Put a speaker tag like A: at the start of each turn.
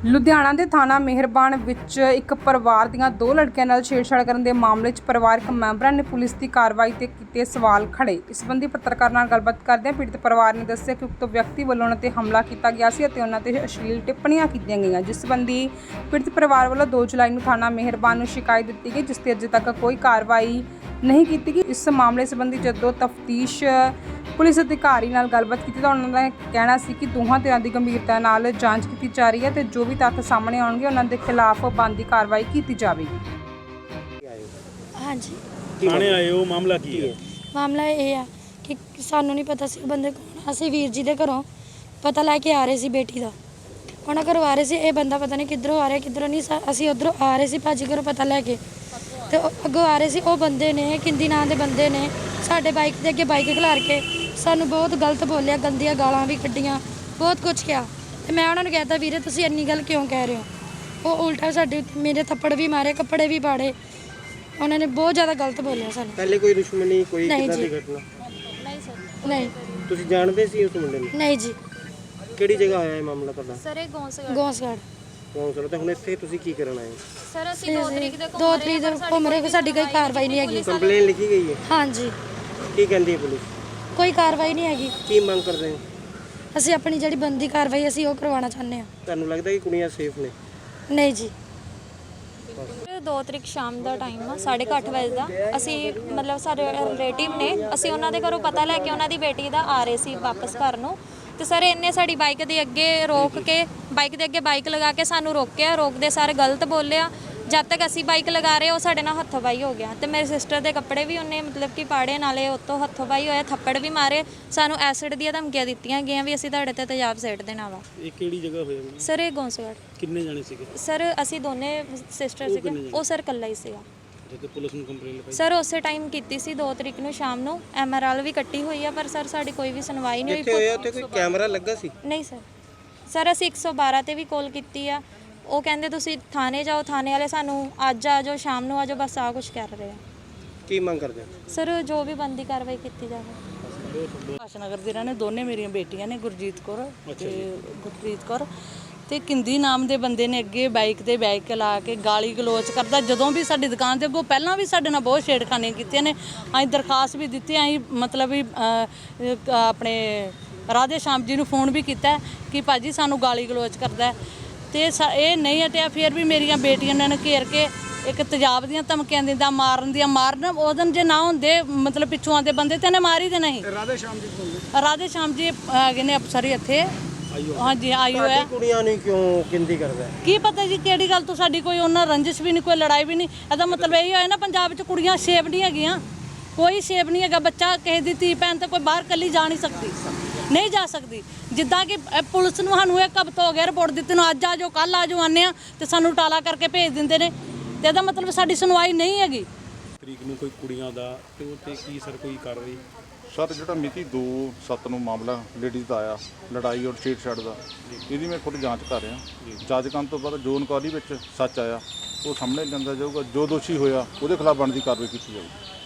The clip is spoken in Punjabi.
A: ਲੁਧਿਆਣਾ ਦੇ ਥਾਣਾ ਮਿਹਰਬਾਨ ਵਿੱਚ ਇੱਕ ਪਰਿਵਾਰ ਦੀਆਂ ਦੋ ਲੜਕੀਆਂ ਨਾਲ ਛੇੜਛਾੜ ਕਰਨ ਦੇ ਮਾਮਲੇ 'ਚ ਪਰਿਵਾਰਕ ਮੈਂਬਰਾਂ ਨੇ ਪੁਲਿਸ ਦੀ ਕਾਰਵਾਈ ਤੇ ਕੀਤੇ ਸਵਾਲ ਖੜੇ। ਇਸ ਸੰਬੰਧੀ ਪੱਤਰਕਾਰ ਨਾਲ ਗੱਲਬਾਤ ਕਰਦਿਆਂ ਪੀੜਤ ਪਰਿਵਾਰ ਨੇ ਦੱਸਿਆ ਕਿ ਉਕਤ ਵਿਅਕਤੀ ਵੱਲੋਂ ਉਹਨਾਂ ਤੇ ਹਮਲਾ ਕੀਤਾ ਗਿਆ ਸੀ ਅਤੇ ਉਹਨਾਂ ਤੇ ਅਸ਼ਲੀਲ ਟਿੱਪਣੀਆਂ ਕੀਤੀਆਂ ਗਈਆਂ, ਜਿਸ ਸੰਬੰਧੀ ਪੀੜਤ ਪਰਿਵਾਰ ਵੱਲੋਂ 2 ਜੁਲਾਈ ਨੂੰ ਥਾਣਾ ਮਿਹਰਬਾਨ ਨੂੰ ਸ਼ਿਕਾਇਤ ਦਿੱਤੀ ਗਈ, ਜਿਸ ਤੇ ਅਜੇ ਤੱਕ ਕੋਈ ਕਾਰਵਾਈ नहीं की गई। इस मामले संबंधी जदों तफ्तीश पुलिस अधिकारी नाल गलबात की तो उन्होंने कहना सी कि दोहां धिरां दी गंभीरता नाल जांच की जा रही है तो जो भी तत्थ सामने आउणगे उन्हां दे खिलाफ बनदी कार्रवाई की जाएगी।
B: हाँ जी
C: थाने आए हो, मामला की है?
B: मामला ये है कि सानू नहीं पता सी बंदे कौन। असीं वीर जी दे घरों पता लैके आ रहे सी बेटी दा, उन्हां घरों आ रहे सी। ये बंदा पता नहीं किधरों आ रहा किधरों नहीं। असीं उधरों आ रहे सी भाजी घरों पता लैके तो अगों आ रहे सी। वो बंदे ने किंदी नां दे बंदे ने साडे बाइक दे अगे बाइक खिलार के सानू बहुत गलत बोलिया, गंदियां गालां भी कड्डियां, बहुत कुछ किया। ते मैं उन्होंने कहता वीरे तुसीं इन्नी गल क्यों कह रहे हो। वो उल्टा साडे मेरे थप्पड़ भी मारे, कपड़े भी पाड़े। उन्होंने बहुत ज़्यादा गलत बोलिया सानू।
D: पहले कोई दुश्मनी कोई
B: नहीं
D: किदां
B: जी।
D: दी घटना?
B: नहीं सर नहीं।
D: ਤੁਸੀਂ ਜਾਣਦੇ ਸੀ ਉਸ ਮੁੰਡੇ ਨੂੰ?
B: नहीं जी।
D: ਕਿਹੜੀ ਜਗ੍ਹਾ ਹੋਇਆ ਇਹ ਮਾਮਲਾ ਤੁਹਾਡਾ?
E: ਸਰ ਇਹ ਗੌਂਸਗੜ੍ਹ
B: ਗੌਂਸਗੜ੍ਹ
D: ਕੌਂਸਲ ਤੇ ਹੁਣ ਇੱਥੇ ਤੁਸੀਂ ਕੀ ਕਰਨ ਆਏ ਹੋ?
E: ਸਰ ਅਸੀਂ 2 ਤਰੀਕ ਦੇ
B: 2 ਤਰੀਕ ਦੇ ਘੁੰਮ ਰਹੇ, ਸਾਡੀ ਕੋਈ ਕਾਰਵਾਈ ਨਹੀਂ ਹੈਗੀ।
D: ਕੰਪਲੇਨ ਲਿਖੀ ਗਈ ਹੈ?
B: हाँ जी
D: ਕੀ ਕਹਿੰਦੀ ਹੈ ਪੁਲਿਸ?
B: ਕੋਈ ਕਾਰਵਾਈ ਨਹੀਂ ਹੈਗੀ।
D: ਕੀ ਮੰਗ ਕਰਦੇ ਹੋ?
B: ਅਸੀਂ ਆਪਣੀ ਜਿਹੜੀ ਬੰਦੀ ਕਾਰਵਾਈ ਅਸੀਂ ਉਹ ਕਰਵਾਉਣਾ ਚਾਹੁੰਦੇ ਹਾਂ।
D: ਤੁਹਾਨੂੰ ਲੱਗਦਾ ਕਿ ਕੁੜੀਆਂ ਸੇਫ ਨੇ?
B: ਨਹੀਂ ਜੀ।
E: 2 ਤਰੀਕ ਸ਼ਾਮ ਦਾ ਟਾਈਮ ਆ 8:30 ਵਜੇ ਦਾ। ਅਸੀਂ ਮਤਲਬ ਸਾਡੇ ਰਿਲੇਟਿਵ ਨੇ, ਅਸੀਂ ਉਹਨਾਂ ਦੇ ਘਰੋਂ ਪਤਾ ਲੈ ਕੇ ਉਹਨਾਂ ਦੀ ਬੇਟੀ ਦਾ ਆ ਰਹੇ ਸੀ ਵਾਪਸ ਘਰ ਨੂੰ। ਤੇ ਸਰ ਇਹਨੇ ਸਾਡੀ ਬਾਈਕ ਦੇ ਅੱਗੇ ਰੋਕ ਕੇ ਬਾਈਕ ਦੇ ਅੱਗੇ ਬਾਈਕ ਲਗਾ ਕੇ ਸਾਨੂੰ ਰੋਕਿਆ। ਰੋਕਦੇ ਸਾਰੇ ਗਲਤ ਬੋਲਿਆ। ਜਦ ਤੱਕ ਅਸੀਂ ਬਾਈਕ ਲਗਾ ਰਹੇ ਉਹ ਸਾਡੇ ਨਾਲ ਹੱਥੋਂ-ਪਾਈ ਹੋ ਗਿਆ ਤੇ ਮੇਰੇ ਸਿਸਟਰ ਦੇ ਕੱਪੜੇ ਵੀ ਉਹਨੇ ਮਤਲਬ ਕਿ ਪਾੜੇ, ਨਾਲੇ ਉੱਤੋਂ ਹੱਥੋਂ-ਪਾਈ ਹੋਇਆ, ਥੱਪੜ ਵੀ ਮਾਰੇ। ਸਾਨੂੰ ਐਸਿਡ ਦੀਆਂ ਧਮਕੀਆਂ ਦਿੱਤੀਆਂ ਗਈਆਂ ਵੀ ਅਸੀਂ ਤੁਹਾਡੇ ਤੇ ਤੇਜ਼ਾਬ ਸੇਟ ਦੇਣਾ ਵਾ।
C: ਇਹ ਕਿਹੜੀ ਜਗ੍ਹਾ ਹੋਇਆ?
E: ਸਰ ਇਹ ਗੌਂਸਗੜ੍ਹ।
C: ਕਿੰਨੇ ਜਾਣੇ ਸੀਗੇ?
E: ਸਰ ਅਸੀਂ ਦੋਨੇ ਸਿਸਟਰ ਸੀਗੇ। ਉਹ ਸਰ ਇਕੱਲਾ ਹੀ ਸੀਗਾ।
C: ਤੇ ਪੁਲਿਸ ਨੂੰ ਕੰਪਲੇਂਟ ਲਿਖਾਈ?
E: ਸਰ ਉਸੇ ਟਾਈਮ ਕੀਤੀ ਸੀ 2 ਤਰੀਕ ਨੂੰ ਸ਼ਾਮ ਨੂੰ। ਐਮਆਰਐਲ ਵੀ ਕੱਟੀ ਹੋਈ ਆ ਪਰ ਸਰ ਸਾਡੀ ਕੋਈ ਵੀ ਸੁਣਵਾਈ ਨਹੀਂ
D: ਇੱਥੇ ਹੋਇਆ ਉੱਥੇ ਕੋਈ ਕੈਮਰਾ ਲੱਗਾ ਸੀ?
E: ਨਹੀਂ ਸਰ। ਸਰ ਅਸੀਂ 112 ਤੇ ਵੀ ਕਾਲ ਕੀਤੀ ਆ। ਉਹ ਕਹਿੰਦੇ ਤੁਸੀਂ ਥਾਣੇ ਜਾਓ, ਥਾਣੇ ਵਾਲੇ ਸਾਨੂੰ ਅੱਜ ਆ ਜਾਓ, ਸ਼ਾਮ ਨੂੰ ਆ ਜਾਓ, ਬਸ ਆ ਕੁਝ ਕਰ ਰਹੇ ਆ।
D: ਕੀ ਮੰਗ ਕਰਦੇ ਹੋ?
E: ਸਰ ਜੋ ਵੀ ਬੰਦੀ ਕਾਰਵਾਈ ਕੀਤੀ ਜਾਵੇ।
F: ਆਸ਼ਨਗਰ ਦੇ ਰਹਿਣੇ ਦੋਨੇ ਮੇਰੀਆਂ ਬੇਟੀਆਂ ਨੇ, ਗੁਰਜੀਤ ਕੌਰ ਤੇ ਗੁਰਪ੍ਰੀਤ ਕੌਰ। ਤੇ ਕਿੰਦੀ ਨਾਮ ਦੇ ਬੰਦੇ ਨੇ ਅੱਗੇ ਬਾਈਕ ਤੇ ਬਾਈਕ ਲਾ ਕੇ ਗਾਲੀ ਗਲੋਚ ਕਰਦਾ। ਜਦੋਂ ਵੀ ਸਾਡੀ ਦੁਕਾਨ ਦੇ ਅੱਗੋਂ ਪਹਿਲਾਂ ਵੀ ਸਾਡੇ ਨਾਲ ਬਹੁਤ ਛੇੜਖਾਨੀਆਂ ਕੀਤੀਆਂ ਨੇ। ਅਸੀਂ ਦਰਖਾਸਤ ਵੀ ਦਿੱਤੀ, ਅਸੀਂ ਮਤਲਬ ਵੀ ਆਪਣੇ ਰਾਧੇ ਸ਼ਾਮ ਜੀ ਨੂੰ ਫੋਨ ਵੀ ਕੀਤਾ ਕਿ ਭਾਜੀ ਸਾਨੂੰ ਗਾਲੀ ਗਲੋਚ ਕਰਦਾ ਤੇ ਇਹ ਨਹੀਂ ਹਟਿਆ। ਫਿਰ ਵੀ ਮੇਰੀਆਂ ਬੇਟੀਆਂ ਨੇ ਘੇਰ ਕੇ ਇੱਕ ਤੇਜ਼ਾਬ ਦੀਆਂ ਧਮਕੀਆਂ ਦਿੰਦਾ, ਮਾਰਨ ਉਹ ਦਿਨ ਜੇ ਨਾ ਹੁੰਦੇ ਮਤਲਬ ਪਿੱਛੋਂ ਆਉਂਦੇ ਬੰਦੇ ਤੇ ਇਹਨੇ ਮਾਰ ਹੀ ਦੇਣਾ ਸੀ। ਰਾਧੇ ਸ਼ਾਮ ਜੀ ਹੈਗੇ ਨੇ ਅਫਸਰ ਹੀ ਇੱਥੇ। ਹਾਂਜੀ ਆਇਓ ਹੈ।
D: ਕੁੜੀਆਂ ਨੂੰ ਕਿਉਂ ਕਿੰਦੀ ਕਰਦਾ?
F: ਕੀ ਪਤਾ ਜੀ ਕਿਹੜੀ ਗੱਲ ਤੋਂ ਸਾਡੀ ਕੋਈ ਉਹਨਾਂ ਰੰਜਿਸ਼ ਵੀ ਨਹੀਂ, ਕੋਈ ਲੜਾਈ ਵੀ ਨਹੀਂ। ਇਹਦਾ ਮਤਲਬ ਇਹ ਹੋਇਆ ਨਾ ਪੰਜਾਬ 'ਚ ਕੁੜੀਆਂ ਸੇਫ ਨਹੀਂ ਹੈਗੀਆਂ, ਕੋਈ ਸੇਫ ਨਹੀਂ ਹੈਗਾ। ਬੱਚਾ ਕਿਸੇ ਦੀ ਧੀ ਭੈਣ ਤੇ ਕੋਈ ਬਾਹਰ ਇਕੱਲੀ ਜਾ ਨਹੀਂ ਸਕਦੀ, ਨਹੀਂ ਜਾ ਸਕਦੀ। ਜਿੱਦਾਂ ਕਿ ਪੁਲਿਸ ਨੂੰ ਸਾਨੂੰ ਇੱਕ ਹਫ਼ਤਾ ਹੋ ਗਿਆ ਰਿਪੋਰਟ ਦਿੱਤੀ ਨੂੰ, ਅੱਜ ਆ ਜਾਓ ਕੱਲ੍ਹ ਆ ਜਾਓ ਆਉਂਦੇ ਆ ਤੇ ਸਾਨੂੰ ਟਾਲਾ ਕਰਕੇ ਭੇਜ ਦਿੰਦੇ ਨੇ। ਤੇ ਇਹਦਾ ਮਤਲਬ ਸਾਡੀ ਸੁਣਵਾਈ ਨਹੀਂ ਹੈਗੀ।
C: ਤਰੀਕ ਨੂੰ ਕੋਈ ਕੁੜੀਆਂ ਦਾ ਤੇ ਉੱਤੇ ਕੀ ਸਰ ਕੋਈ ਕਾਰਵਾਈ?
G: ਸਰ ਜਿਹੜਾ ਮਿਤੀ 2/7 ਨੂੰ ਮਾਮਲਾ ਲੇਡੀਜ਼ ਦਾ ਆਇਆ, ਲੜਾਈ ਔਰ ਛੇੜਛਾੜ ਦਾ, ਇਹਦੀ ਮੈਂ ਖੁਦ ਜਾਂਚ ਕਰ ਰਿਹਾ। ਜਾਂਚ ਕਰਨ ਤੋਂ ਬਾਅਦ ਜੋ ਇਨਕੁਆਇਰੀ ਵਿੱਚ ਸੱਚ ਆਇਆ ਉਹ ਸਾਹਮਣੇ ਲਿਆਂਦਾ ਜਾਊਗਾ। ਜੋ ਦੋਸ਼ੀ ਹੋਇਆ ਉਹਦੇ ਖਿਲਾਫ ਬਣਦੀ ਕਾਰਵਾਈ ਕੀਤੀ ਜਾਊਗੀ।